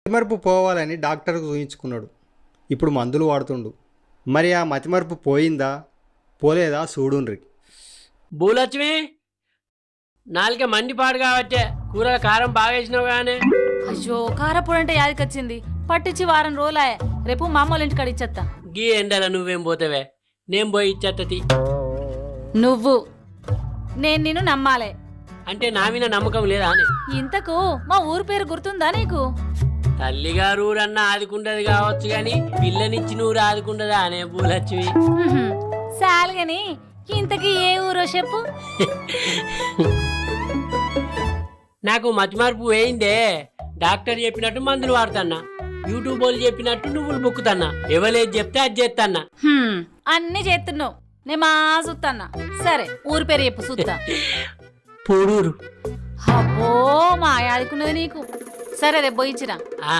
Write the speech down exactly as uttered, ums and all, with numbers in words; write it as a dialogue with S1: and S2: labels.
S1: మతిమరుపు పోవాలని డాక్టర్కు చూయించుకున్నాడు. ఇప్పుడు మందులు వాడుతుండు. మరి ఆ మతిమరుపు పోయిందా పోలేదా చూడుండ్రి.
S2: భూలక్ష్మి, నాలుక మండిపాడు కాబట్టే కూరల కారం బాగా వేసినావు కానీ.
S3: అయ్యో కారపొడి అంటే యాదికొచ్చింది. పట్టించి వారం రోజులాయే. రేపు మా అమ్మ వాళ్ళ ఇంటికాడ ఇచ్చేస్తా.
S2: గీ ఎండల నువ్వేం పోతావే, నేను పోయి ఇచ్చేత్తతి.
S3: నువ్వు నేను నిన్ను నమ్మాలే
S2: అంటే నా మీద నమ్మకం లేదా అని.
S3: ఇంతకు మా ఊరు పేరు గుర్తుందా నీకు?
S2: తల్లిగారు ఊరన్నా ఆదుకుంటది కావచ్చు గాని పిల్లనిచ్చి నూరు ఆదుకుంటదా అనే భూలక్ష్మి.
S3: సాలుగని ఇంతకీ ఏ ఊరో చెప్పు.
S2: నాకు మతిమార్పు వేయిందే. డాక్టర్ చెప్పినట్టు మందులు వాడుతున్నా, యూట్యూబ్ వాళ్ళు చెప్పినట్టు నువ్వులు బొక్కుతున్నా, ఎవరేది చెప్తే అది చేస్తాన్నా.
S3: అన్ని చేస్తున్నావు, నే మా చూస్తాన్నా. సరే ఊరు పేరు చెప్పు చూస్తా.
S2: పొడూరు.
S3: అబ్బో మా ఆదుకున్నది నీకు. సరే రేపు పోయించిరా.